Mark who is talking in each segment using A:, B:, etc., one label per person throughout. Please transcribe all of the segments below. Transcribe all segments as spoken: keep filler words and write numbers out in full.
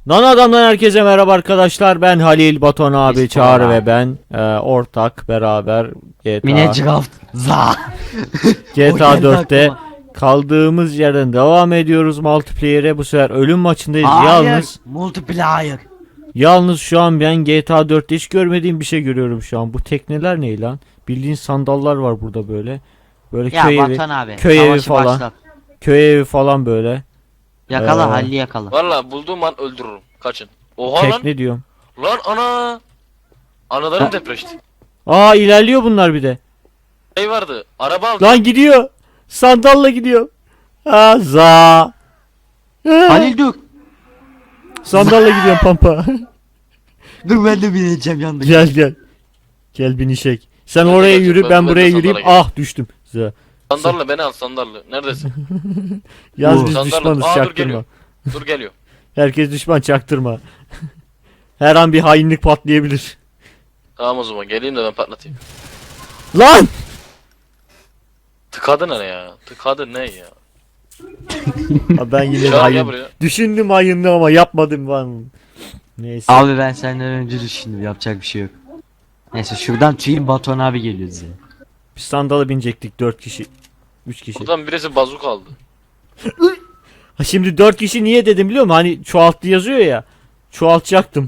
A: Lan adamdan herkese merhaba arkadaşlar. Ben Halil, Baton abi,
B: Biz
A: Çağrı
B: Baton
A: ve
B: abi.
A: ben e, ortak beraber G T A
B: Minecraft za.
A: G T A
B: O geldi
A: dörtte
B: aklıma.
A: kaldığımız yerden devam ediyoruz multiplayer'e. Bu sefer ölüm maçındayız.
B: Hayır.
A: Yalnız
B: Multiplayer.
A: yalnız şu an ben G T A dörtte hiç görmediğim bir şey görüyorum şu an. Bu tekneler ne lan? Bildiğin sandallar var burada böyle. Böyle
B: Ya
A: köy evi,
B: Batuhan abi.
A: köy evi
B: savaşı
A: falan.
B: başlat.
A: köy evi falan böyle.
B: Yakala
A: Ee,
B: Halil'i yakala.
C: Valla bulduğum an öldürürüm. Kaçın. Oha lan.
A: Tekne diyorum.
C: Lan ana. Analarım depreşti.
A: Aa ilerliyor bunlar bir de.
C: Şey vardı. Araba aldım.
A: Lan gidiyor. Sandalla gidiyor. Ha za.
B: Halil dur.
A: Sandalla gidiyorum pampa.
B: Dur ben de bineceğim yanındaki.
A: Gel gel. Gel binişek. Sen
C: Ben de
A: oraya
C: geleceğim,
A: yürü
C: ben-
A: ben
C: ben de
A: buraya
C: sandala
A: yürüyeyim.
C: geleceğim.
A: Ah düştüm. Za.
C: Sandallı beni al sandallı. Neredesin?
A: Yaz
B: Oo.
A: biz
C: Sandallı.
A: düşmanız
C: Aa dur
A: çaktırma.
C: geliyor. Dur geliyor.
A: Herkes düşman çaktırma. Her an bir hainlik patlayabilir.
C: Tamam o zaman geleyim de ben patlatayım.
A: Lan!
C: Tıkadı ne ya? Tıkadı ne ya?
A: Ha, ben yine de
C: Çağır gel
A: hain.
C: buraya.
A: Düşündüm hainliği ama yapmadım ben. Neyse.
B: Abi ben senden önce düşündüm, yapacak bir şey yok. Neyse şuradan tüyün Batuhan abi geliyor size.
A: Biz sandala binecektik dört kişi. üç kişi.
C: Buradan birisi bazuk aldı.
A: Ha şimdi dört kişi niye dedim biliyor musun? Hani çoğalttı yazıyor ya. Çoğaltacaktım.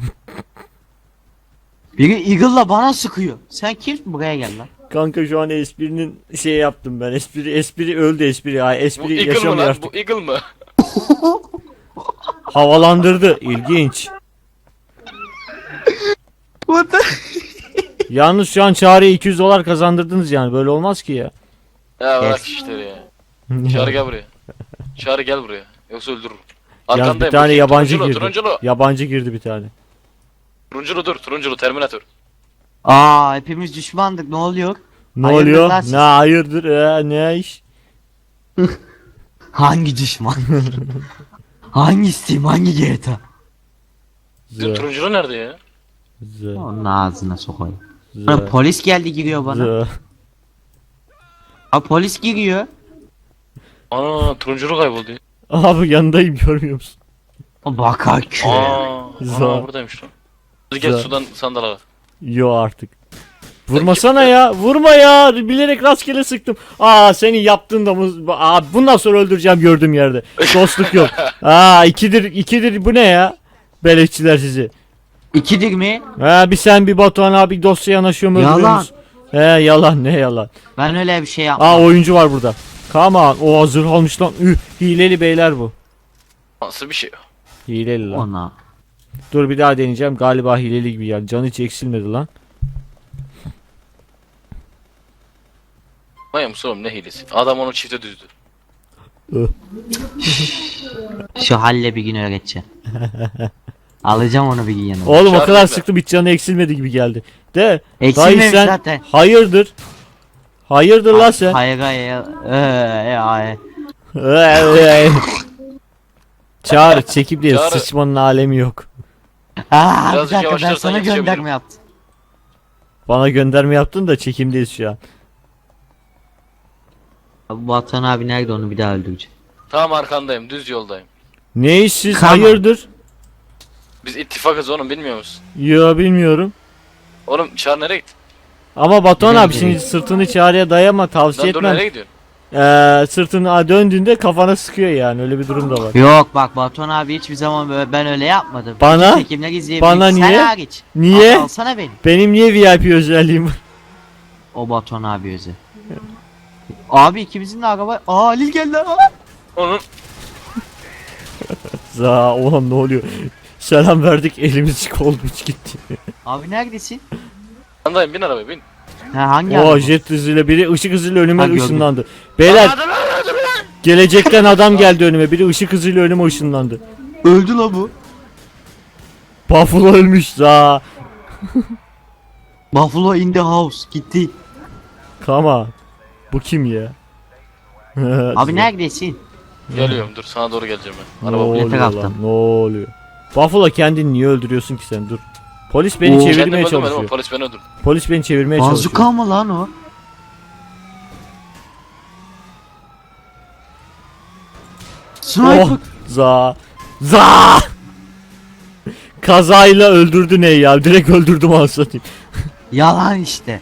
B: Biri Eagle'la bana sıkıyor. Sen kimsin, buraya gel lan.
A: Kanka şu an esprinin şey yaptım ben. Espri espri öldü espri. Ay
C: Bu
A: espri
C: Eagle mı
A: yaşamıyor
C: lan?
A: artık.
C: Bu Eagle mı?
A: Havalandırdı. İlginç.
B: What the?
A: Yalnız şu an Çağrı'ya iki yüz dolar kazandırdınız yani. Böyle olmaz ki ya.
C: Ya bırak
B: Yes.
C: işleri ya. Çağrı gel buraya. Çağrı gel buraya. Yoksa öldürürüm.
A: Yalnız bir
C: Arkandayım.
A: tane
C: bakayım.
A: yabancı
C: Turunculu,
A: girdi.
C: Turunculu.
A: Yabancı girdi bir tane.
C: Turunculu dur. Turunculu Terminator.
B: Aa hepimiz düşmandık, ne oluyor?
A: Ne
B: Hayırdır
A: oluyor?
B: lan siz?
A: Ne hayırdır? Ee, ne iş?
B: Hangi düşman? Hangi Steam, hangi G T A?
C: Bizim
A: Zı,
C: turunculu nerede ya?
A: zı,
B: Onun ağzına sokayım.
A: zı,
B: Bana polis geldi, giriyor bana.
A: zı.
B: Aa polis giriyor.
C: Ana turunculu kayboldu ya.
A: Abi yanındayım görmüyor musun?
B: O bakar ki.
C: Aa,
A: Zor.
C: ana buradaymış lan. Hadi gel
A: Zor.
C: sudan sandal al.
A: Yo artık. Vurmasana ya. Vurma ya. Bilerek rastgele sıktım. Aa senin yaptığın da mı? Aa bundan sonra öldüreceğim gördüğüm yerde. Dostluk yok. Aa ikidir ikidir bu ne ya? Beleşçiler sizi.
B: İkidir mi?
A: Ha bir sen bir Batuhan abi dosya yanaşıyor mu
B: Yalan.
A: öldürüyorsunuz? He yalan ne yalan.
B: Ben öyle bir şey yapmam.
A: Aa oyuncu var burada. Come on. O hazır almış lan. Üh, hileli beyler bu.
C: Nasıl bir şey?
A: Hileli lan.
B: Ona.
A: Dur bir daha deneyeceğim. Galiba hileli gibi yani. Canı hiç eksilmedi lan.
C: Vay oğlum ne hilesi. Adam onu çifte düzdü.
B: Şu halle bir gün öğreteceğim. Alacağım onu bir gün yanıma.
A: Oğlum o
C: Çağır
A: kadar
C: bekle.
A: sıktım hiç canı eksilmedi gibi geldi. De.
B: Eksilmemiş
A: dayı sen
B: zaten.
A: hayırdır? Hayırdır lan sen?
B: Hayır hayır. Ee, hayır.
A: Çağır çekip değil
C: Çağrı.
A: sıçmanın alemi yok.
B: Aa bir
C: Birazcık
B: dakika, ben
C: yavaşlarsan
B: sana
C: yetişebilirim.
B: gönderme yaptım.
A: Bana gönderme yaptın da çekimdeyiz şu an.
B: Abi Batuhan abi nerede, onu bir daha öldüreceğim.
C: Tamam arkandayım düz yoldayım.
A: Ne iş siz
B: Tamam.
A: hayırdır?
C: Biz ittifakız oğlum bilmiyor musun?
A: Yo bilmiyorum.
C: Oğlum Çağrı nereye gitti?
A: Ama Batuhan
B: Biliyorum,
A: abi şimdi
B: biliyorum.
A: sırtını Çağrı'ya dayama tavsiye
C: Lan dur
A: etmem.
C: nereye gidiyorsun?
A: Ee, sırtını döndüğünde kafana sıkıyor yani öyle bir durum da var.
B: Yok bak Batuhan abi hiçbir zaman böyle, ben öyle yapmadım.
A: Bana-
B: Bütün çekimler izleyebilirsin.
A: bana niye?
B: Sen hariç.
A: Niye?
B: Abi alsana beni.
A: Benim niye V I P özelliğim var?
B: O Batuhan abi özel. Abi ikimizin de araba. Aa Halil geldi. Aa.
C: Onun
A: Za oğlum ne oluyor? Selam verdik elimiz kolmuş gitti.
B: Abi neredesin?
C: arkandayım bin arabaya bin.
B: Ha hangi
A: O
B: araba?
A: jet hızıyla biri ışık hızıyla önüme
B: Ha, gördüm.
A: ışınlandı. Beyler
C: Hadi lan, hadi lan.
A: gelecekten adam geldi önüme. Biri ışık hızıyla önüme ışınlandı.
B: Öldü la bu.
A: Buffalo ölmüş za.
B: Buffalo in the house gitti.
A: Come on. Bu kim ya?
B: Abi neredesin?
C: Geliyorum dur sana doğru geleceğim ben.
A: Ne
C: Araba
A: oluyor
B: taraftan?
A: lan? Ne oluyor? Buffalo kendini niye öldürüyorsun ki sen? Dur. Polis beni
B: Oo.
C: Kendim
A: çevirmeye
C: öldürmedim ama
A: çalışıyor.
C: polis beni öldürdü.
A: Polis beni çevirmeye çalışıyor.
B: Bazuka mı lan o? Sniper.
A: Oh, za. Za. kazayla öldürdü ne ya? Direkt öldürdüm anasını satayım.
B: Yalan işte.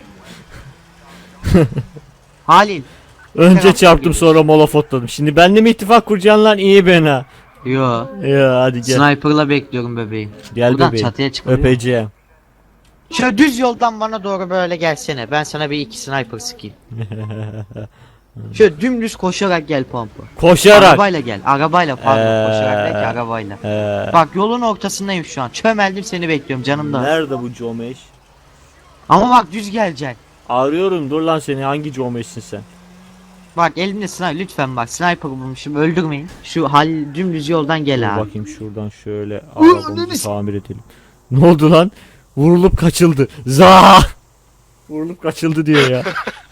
B: Halil.
A: Önce
B: Selam
A: çarptım sonra molof atladım. Şimdi benimle mi ittifak kuracaksın lan? İyi ben ha.
B: Yo.
A: Ya hadi gel.
B: Sniper'la bekliyorum bebeğim.
A: Gel
B: Buradan
A: bebeğim.
B: çatıya çıkıyor.
A: Öpeceğim.
B: Şöyle düz yoldan bana doğru böyle gelsene. Ben sana bir iki sniper sıkayım. Şöyle dümdüz koşarak gel pompa.
A: Koşarak.
B: Arabayla gel. Arabayla pardon.
A: Ee,
B: Koşarak değil ki arabayla.
A: Ee,
B: Bak yolun ortasındayım şu an. Çömeldim seni bekliyorum canım da.
A: nerede bu Comeş?
B: Ama bak düz geleceksin.
A: Arıyorum dur lan seni, hangi Comeş'sin sen?
B: Bak elimde sniper lütfen bak sniper bulmuşum öldürmeyin. Şu hal dümdüz yoldan gel
A: Dur
B: abi.
A: bakayım şuradan şöyle arabamızı tamir edelim. Ne oldu lan? Vurulup kaçıldı. Za! Vurulup kaçıldı diyor ya.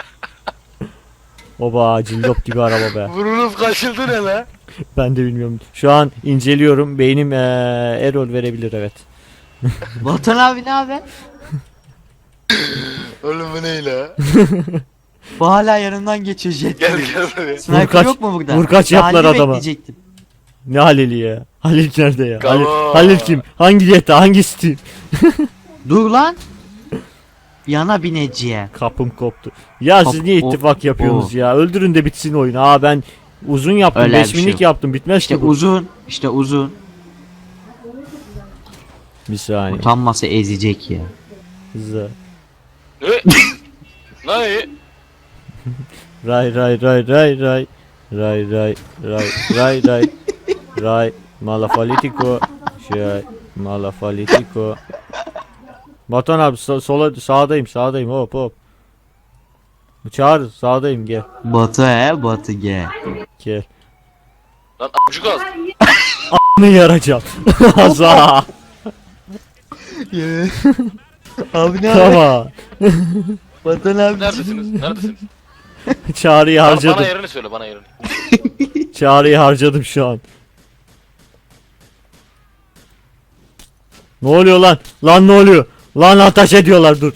A: Oba cillop gibi araba be.
C: Vurulup kaçıldı ne la?
A: Ben de bilmiyorum. Şu an inceliyorum. Beynim ee, error verebilir evet.
B: Batuhan abi ne haber?
C: Oğlum bu ne la?
B: Bu hala yanından geçiyor jet.
C: Gel gel buraya.
B: Sniper
A: Vurkaç-
B: yok mu burada?
A: vurkaç yaptılar
B: Halil'i
A: adama.
B: bekleyecektim.
A: Ne Halil'i ya? Halil nerede ya? Halil,
C: Tamam.
A: Halil kim? Hangi yeta? Hangi Steam?
B: Dur lan. Yana bineciye.
A: Kapım koptu. Ya siz
B: Kap-
A: niye
B: o-
A: ittifak yapıyorsunuz
B: o.
A: ya? Öldürün de bitsin oyun. Aa ben uzun yaptım.
B: Öyle bir
A: beş
B: şey
A: minlik
B: yok.
A: yaptım. Bitmez
B: İşte
A: ki bu.
B: uzun. İşte uzun.
A: Bir saniye.
B: Utanmasa ezecek ya.
A: Za.
C: Ne? Ne?
A: Ray ray ray ray ray. Ray ray ray ray ray. Ray malafalitiko. Şey malafalitiko. Batuhan abi so- sola sağdayım sağdayım hop hop. Çağır sağdayım gel.
B: Batı he batı ge.
A: Gel.
C: Lan amcuk az.
A: Ne yarayacağım? Za.
B: Abi ne
A: Tamam.
B: Batuhan abi.
C: Neredesiniz? Neredesiniz?
A: Çağrıyı
C: Bana,
A: harcadım.
C: bana yerini söyle bana yerini.
A: Çağrıyı harcadım şu an. Ne oluyor lan? Lan ne oluyor? Lan ateş ediyorlar dur.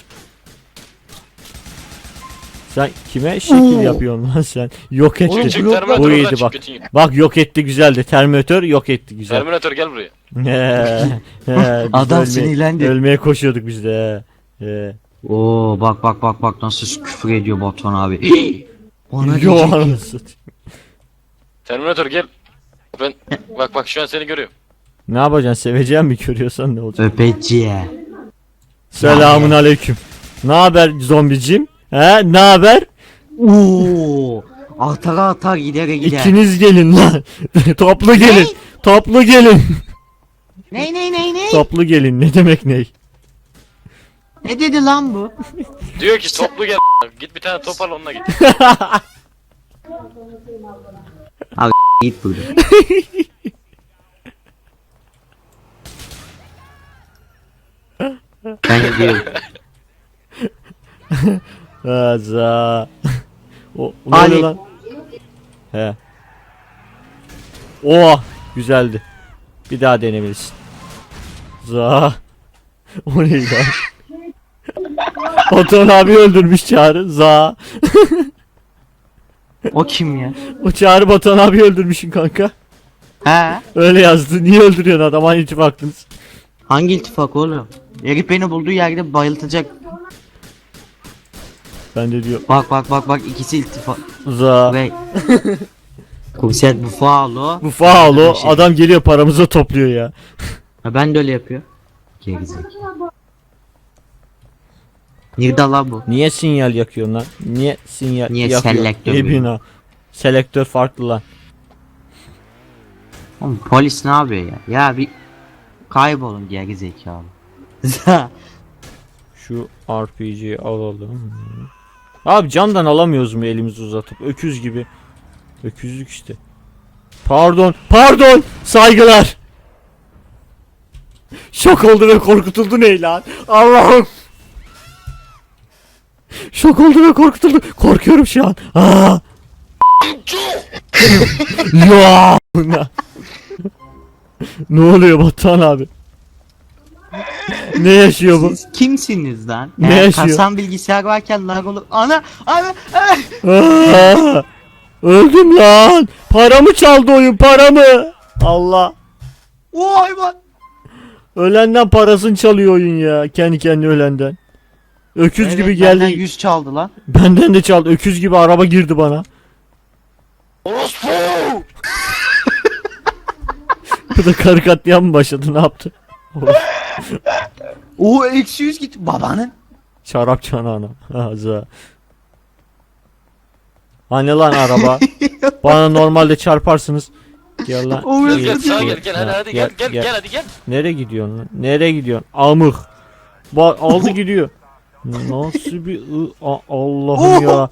A: Sen kime şekil yapıyorsun lan sen? Yok
C: Oğlum
A: etti.
C: çık
B: yok,
C: Terminator
A: Bu
C: oradan
A: iyiydi
C: çık
A: bak.
C: götün git.
A: Bak yok etti güzeldi. Terminator yok etti güzel.
C: Terminator gel buraya.
A: He, he, biz
B: Adam
A: ölmeye-
B: sinirlendi.
A: Ölmeye koşuyorduk biz de. he. He.
B: Oo bak bak bak bak nasıl küfür ediyor Batuhan abi. Ona
A: Yo,
B: diyecek ki,
A: anasını.
C: Terminator gel. Ben bak bak şu an seni görüyorum.
A: Ne yapacaksın? Seveceğim mi görüyorsan ne olacak?
B: öpeciye.
A: Selamun aleyküm. Ne haber zombicim? He? Ne haber?
B: Oo atara atar gidere gider.
A: İkiniz gelin lan. Toplu gelin. Toplu gelin.
B: Ney ney ney ney?
A: Toplu gelin. Ne demek ney?
B: Ne dedi lan bu?
C: Diyor ki toplu gel. Git bir tane top al onunla git.
B: Git burada. Ben gidiyorum.
A: Aza. O ne
B: Ali.
A: oluyor lan? He. Oh, güzeldi. Bir daha denemelisin. Za. O neydi lan? Oton abi öldürmüş Çağrı. Za.
B: O kim ya?
A: O Çağrı Batuhan abi öldürmüşsün kanka.
B: He?
A: Öyle yazdı. Niye öldürüyorsun adam? Aynı ittifaklınız.
B: Hangi iltifak oğlum? Herif beni bulduğu yerde bayıltacak.
A: Ben de diyor.
B: Bak bak bak bak ikisi iltifak.
A: Za.
B: Ve Komiser bu faal o.
A: Bu faal o.
B: Şey.
A: Adam geliyor paramızı topluyor ya.
B: Ha, ben de öyle yapıyor. Gerizekalı. Nerede lan bu?
A: Niye sinyal yakıyorsun lan? Niye sinyal
B: Niye
A: yakıyorsun?
B: selektör
A: İyi
B: böyle?
A: bina. Selektör farklı lan.
B: Oğlum polis ne yapıyor ya? Ya bir kaybolun gerizekalı.
A: Şu R P G'yi alalım. Abi camdan alamıyoruz mu elimizi uzatıp? Öküz gibi. Öküzlük işte. Pardon. Pardon. Saygılar. Şok oldu ve korkutuldu ne lan? Allah'ım. Şok oldu ve korkutuldu. Korkuyorum şu an. Aa. Ya. Ne oluyor Batuhan abi? Ne yaşıyor bu?
B: Siz kimsiniz lan?
A: Ne
B: Eğer
A: yaşıyor?
B: kasan bilgisayar varken lag olur. Ana ana. ana.
A: Aa, öldüm lan. Paramı çaldı oyun paramı. Allah.
B: O hayvan.
A: Ölenden parasını çalıyor oyun ya. Kendi kendine ölenden. Öküz
B: Evet,
A: gibi
B: benden
A: geldi.
B: yüz çaldı lan.
A: Benden de çaldı. Öküz gibi araba girdi bana.
C: Orospu!
A: Bu da karı katliam mı başladı? Ne yaptı?
B: Oo eksi yüz git babanın.
A: Şarap çanağına. Ağza. Hani lan araba? Bana normalde çarparsınız. Gel lan.
B: O
C: Gel
B: yüzden-
C: gel sağa gel gel hadi hadi gel gel gel hadi gel.
A: Nereye gidiyorsun lan? Nereye gidiyorsun? Amık. Bak aldı gidiyor. Nasıl bir ı- A- Allah'ım ya.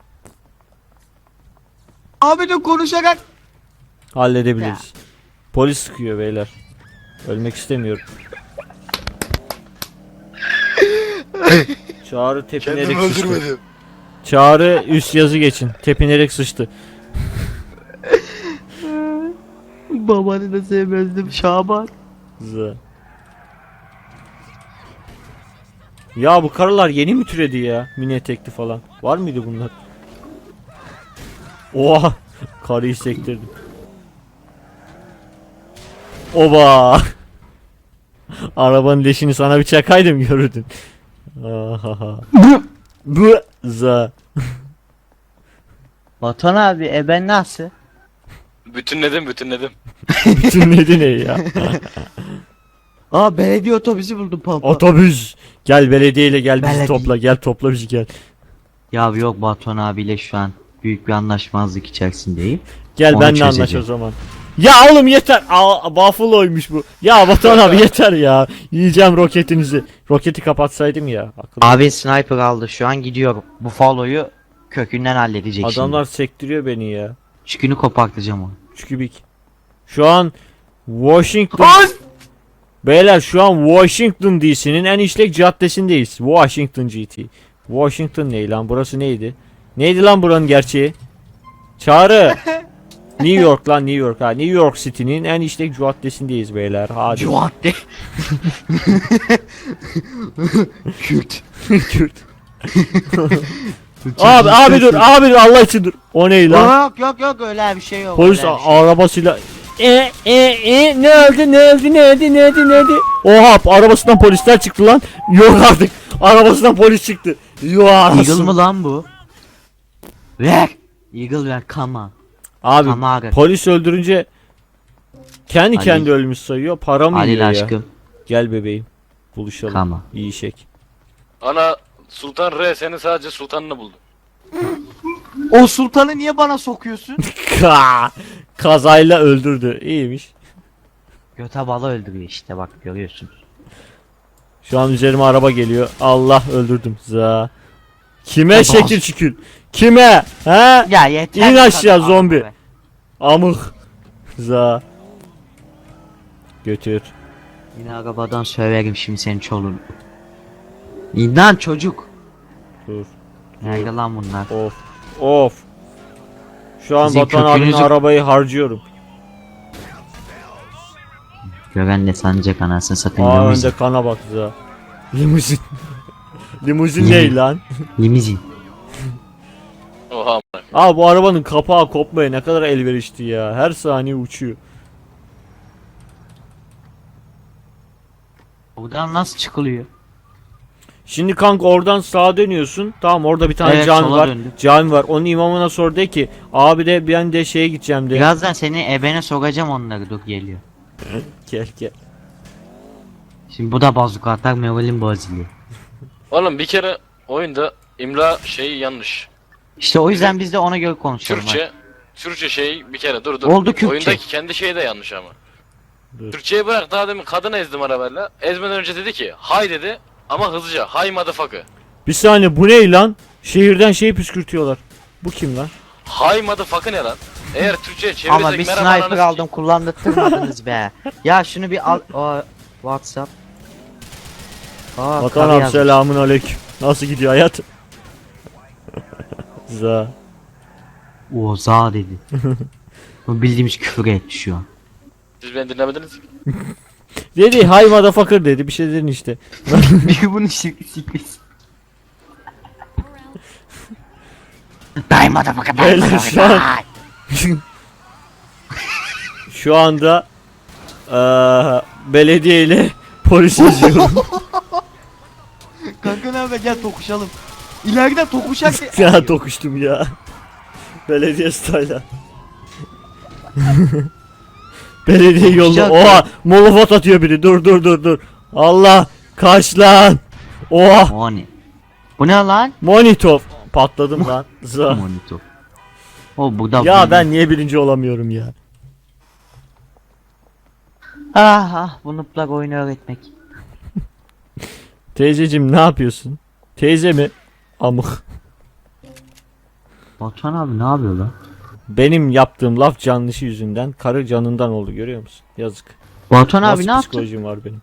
B: Abi de konuşarak.
A: Halledebiliriz. Polis sıkıyor beyler. Ölmek istemiyorum. Çağrı tepinerek sıçtı. Çağrı üst yazı geçin. Tepinerek sıçtı.
B: Babanı da sevmezdim Şaban.
A: Z. Ya bu karılar yeni mi türedi ya? Mini etekli falan. Var mıydı bunlar? Oha! Karıyı sektirdim. Oba! Arabanın leşini sana bir çakaydım görürdün. Ahaha. Bu za.
B: Batuhan abi e ben nasıl?
C: Bütünledim bütünledim.
A: Bütün nedi ne ya?
B: Aa belediye otobüsü buldum pampa.
A: Otobüs. Gel belediyeyle gel bizi
B: Belediye.
A: topla. Gel topla bizi gel.
B: Ya yok Batuhan abiyle şu an büyük bir anlaşmazlık içerisindeyim.
A: Gel
B: Onu
A: benle anlaş o
B: çözeceğim.
A: zaman. Ya oğlum yeter. Aa, Buffalo'ymuş bu. Ya Batuhan abi yeter ya. Yiyeceğim roketinizi. Roketi kapatsaydım ya. Akıllı.
B: Abi sniper aldı şu an gidiyorum. Bu Buffalo'yu kökünden halledecek
A: Adamlar
B: şimdi.
A: sektiriyor beni ya.
B: Çükünü kopartacağım onu.
A: Çükübik. Şu an Washington. Beyler şu an Washington D C'nin en işlek caddesindeyiz. Washington G T. Washington ne lan? Burası neydi? Neydi lan buranın gerçeği? Çağrı. New York lan New York ha. New York City'nin en işlek caddesindeyiz beyler. Hadi.
B: Cuadde. Kürt.
A: Kürt. Abi abi dur abi dur Allah için dur. O ne lan?
B: Yok yok yok öyle bir şey yok.
A: Polis
B: öyle bir şey.
A: arabasıyla e e e ne öldü ne öldü ne öldü ne öldü ne öldü. Oha arabasından polisler çıktı lan. Yok artık. Arabasından polis çıktı. Yok
B: Eagle
A: arasın.
B: mı lan bu? Ver. Eagle ver kama.
A: Abi
B: Kamara.
A: polis öldürünce kendi
B: Ali.
A: kendi ölmüş sayıyor. Para mı
B: Halil
A: yiyor ya?
B: aşkım.
A: Gel bebeğim. Buluşalım.
B: Kama.
A: İyi şek.
C: Ana Sultan R seni sadece sultanını buldu.
B: O sultanı niye bana sokuyorsun?
A: Ka kazayla öldürdü. İyiymiş.
B: Göte balı öldürüyor işte bak görüyorsunuz.
A: Şu an üzerime araba geliyor. Allah öldürdüm. Za. Kime
B: Ya
A: şekil
B: bas.
A: şükür? Kime? He?
B: Ya yeter.
A: İn
B: bu
A: aşağı
B: kadar
A: zombi.
B: be.
A: Amık. Za. Götür.
B: Yine arabadan söverim şimdi senin çoluğunu. İnan çocuk.
A: Dur.
B: Nerede lan bunlar?
A: Of. Of. Şu an
B: Sizin
A: Batuhan abinin
B: kökünüzü-
A: arabayı harcıyorum.
B: Gören de sanacak anasını satayım.
A: Aa
B: Limuzin.
A: önde kana bak za. Limuzin. Limuzin ne lan?
B: Limuzin.
C: Oha amına.
A: Aa bu arabanın kapağı kopmaya ne kadar elverişli ya. Her saniye uçuyor.
B: Buradan nasıl çıkılıyor?
A: Şimdi kanka oradan sağa dönüyorsun. Tamam orada bir tane
B: Evet,
A: cami
B: sola
A: var.
B: döndüm.
A: Cami var. Onun imamına sor de ki abi de ben de şeye gideceğim de.
B: Birazdan seni ebene sokacağım onları dur geliyor.
A: Gel gel.
B: Şimdi bu da bazuka atar moralim bozuluyor.
C: Oğlum bir kere oyunda imla şeyi yanlış.
B: İşte o yüzden biz de ona göre konuşalım.
C: Türkçe Türkçe şey bir kere dur dur.
B: Oldu Kürtçe.
C: Oyundaki kendi şey de yanlış ama.
A: Dur.
C: Türkçeyi bırak daha demin kadını ezdim arabayla. Ezmeden önce dedi ki hay dedi ama hızlıca hay motherfucker.
A: Bir saniye bu ne lan? Şehirden şey püskürtüyorlar. Bu kim lan?
C: Hay motherfucker ne lan? Eğer Türkçe'ye
B: Ama
C: çevirirsek
B: bir
C: merhaba
B: sniper
C: ananı
B: aldım kullandırtmadınız be. Ya şunu bir al. O, WhatsApp. Aa,
A: Vatan
B: karı
A: abi
B: yazmış.
A: selamun aleyküm. Nasıl gidiyor hayat? Za.
B: O za dedi. Bu bildiğimiz küfür etti şu an.
C: Siz beni dinlemediniz ki.
A: Dedi hay motherfucker dedi bir şey dedin işte.
B: Bir bunu sikris. Die motherfucker die
A: Beyler,
B: motherfucker
A: şu an-
B: die.
A: Şu anda eee belediye ile Polis yazıyorum.
B: Kanka ne haber, gel tokuşalım. İleride tokuşak.
A: Ya dokuştum ya. Belediye style'a. Belediye yolda.
B: Tokuşacak
A: Oha molofot atıyor biri. Dur dur dur dur. Allah kaç lan. Oha
B: Moni. Bu ne lan?
A: monitör. Patladım lan. Za.
B: Monitör. O burada.
A: Ya ben niye birinci olamıyorum ya?
B: Ah ah, bu nıplak oyunu öğretmek.
A: Teyzeciğim ne yapıyorsun? Teyze mi? Amık.
B: Batuhan abi ne yapıyor lan?
A: Benim yaptığım laf yanlışı yüzünden karı canından oldu, görüyor musun? Yazık.
B: Batuhan abi
A: Nasıl
B: ne yaptı?
A: psikolojim var benim.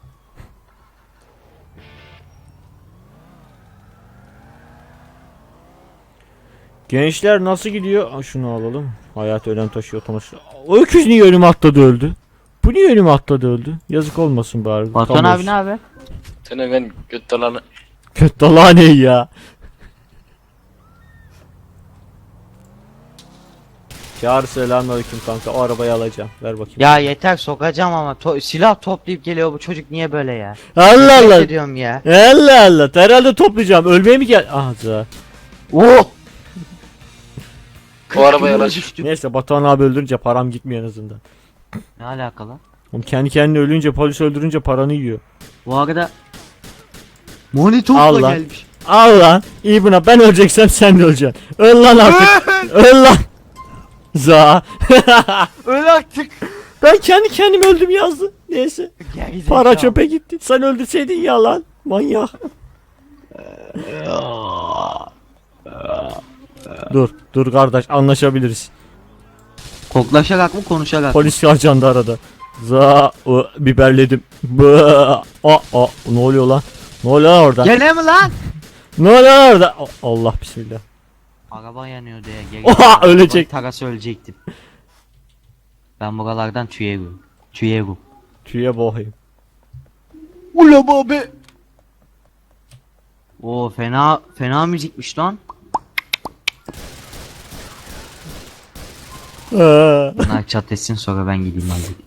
A: Gençler nasıl gidiyor? Aa, şunu alalım. Hayat ölen taşı otomatik. O öküz niye önüme atladı öldü? Bu niye önüme atladı öldü? Yazık olmasın bari.
B: Batuhan
A: Tam
B: abi
A: olsun.
B: ne haber?
C: Seni ben göt dalanı.
A: Kötü dalağı ne ya? Çağrı selamünaleyküm kanka. O arabayı alacağım. Ver bakayım.
B: Ya yeter, sokacağım ama to- silah toplayıp geliyor bu çocuk, niye böyle ya?
A: Allah
B: Nefret
A: Allah.
B: ediyorum ya.
A: Allah Allah. Herhalde toplayacağım. Ölmeye mi gel? Ah za.
B: Oh!
C: O arabaya yanaş.
A: Neyse Batuhan abi öldürünce param gitmiyor en azından.
B: Ne alakalı?
A: Oğlum kendi kendine ölünce, polis öldürünce paranı yiyor.
B: Bu arada Monitörle
A: Allah.
B: gelmiş.
A: Al lan. İyi buna, ben öleceksem sen de öleceksin. Öl lan artık. Öl lan. Za.
B: Öl artık.
A: Ben kendi kendime öldüm yazdı. Neyse.
B: Gerizekalı.
A: Para çöpe gitti. Sen öldürseydin ya lan. Manyak. Dur. Dur kardeş, anlaşabiliriz.
B: Koklaşarak mı konuşarak mı?
A: Polis ajandı arada. Za. ı, biberledim. Bı. A. A. Ne oluyor lan? Ne oluyor lan orada?
B: Gene mi lan?
A: Ne oluyor lan orada? A- Allah bismillah.
B: Araba yanıyor diye geri.
A: Oha, ölecek.
B: Tarası ölecektim. Ben buralardan tüyerim. Tüyerim.
A: Tüye boğayım.
B: Ula babe. Oo fena fena müzikmiş lan.
A: Aa.
B: Bunlar çatlasın sonra ben gideyim hadi.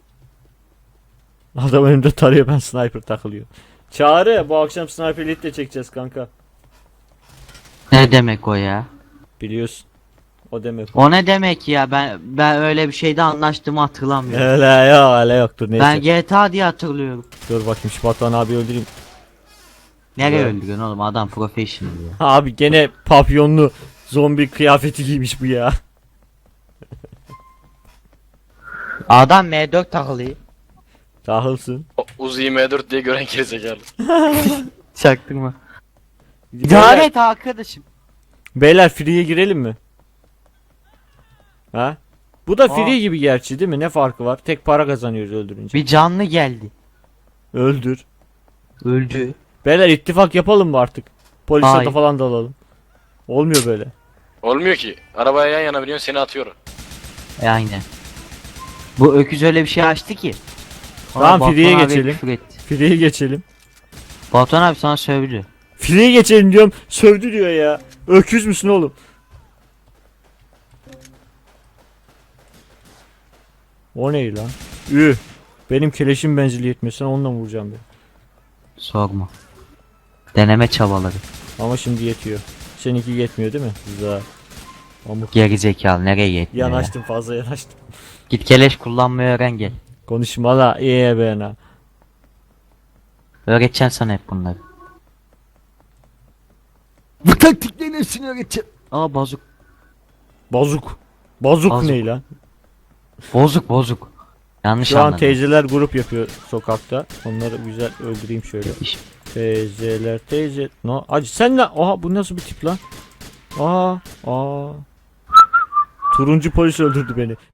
A: Adam önümde tarıyor, ben sniper takılıyor. Çağrı, bu akşam sniper elite de çekeceğiz kanka.
B: Ne demek o ya?
A: Biliyorsun. O demek o.
B: O ne demek ya? Ben ben öyle bir şeyde anlaştığımı hatırlamıyorum.
A: Öyle yok, öyle yok. Dur neyse.
B: Ben G T A diye hatırlıyorum.
A: Dur bakayım şu Batuhan abi öldüreyim.
B: Nereye
A: Evet.
B: öldürüyorsun oğlum? Adam professional ya.
A: Abi gene papyonlu zombi kıyafeti giymiş bu ya.
B: Adam M dört takılıyor.
A: Tahılsın.
C: O Uzi M dört diye gören gerizekalı.
B: Çaktırma.
A: Beyler,
B: İdare et arkadaşım.
A: beyler free'ye girelim mi? Ha? Bu da
B: Aa.
A: free gibi gerçi değil mi? Ne farkı var? Tek para kazanıyoruz öldürünce.
B: Bir canlı geldi.
A: Öldür.
B: Öldü.
A: Beyler ittifak yapalım mı artık? Polis
B: Hayır.
A: ata falan da alalım. Olmuyor böyle.
C: Olmuyor ki. Arabaya yan yana biniyorsun, seni atıyor.
B: E aynen. Bu öküz öyle bir şey açtı ki.
A: Tamam,
B: Batuhan
A: free'ye
B: abi
A: geçelim.
B: küfür etti.
A: Free'ye geçelim.
B: Batuhan abi sana sövdü.
A: Free'ye geçelim diyorum. Sövdü diyor ya. Öküz müsün oğlum? O ne lan? Üh. Benim keleşim menzili yetmiyor. Sen onunla mı vuracağım ben?
B: Sorma. Deneme çabaları.
A: Ama şimdi yetiyor. Seninki yetmiyor değil mi? Güzel. Amık.
B: Geri zekalı nereye yetmiyor ya?
A: Yanaştım, fazla yanaştım.
B: Git keleş kullanmayı öğren gel.
A: Konuşma la. İyi be na.
B: Öğreteceğim sana hep bunları. Bu taktiklerin hepsini öğreteceğim. Aa bozuk.
A: Bozuk. Bozuk
B: Bozuk.
A: ne lan?
B: Bozuk bozuk. Yanlış
A: Şu an
B: anladın.
A: teyzeler grup yapıyor sokakta. Onları güzel öldüreyim şöyle.
B: İş-
A: Teyzeler teyze. No. Acı sen lan. Oha bu nasıl bir tip lan? Aa. Aa. Turuncu polis öldürdü beni.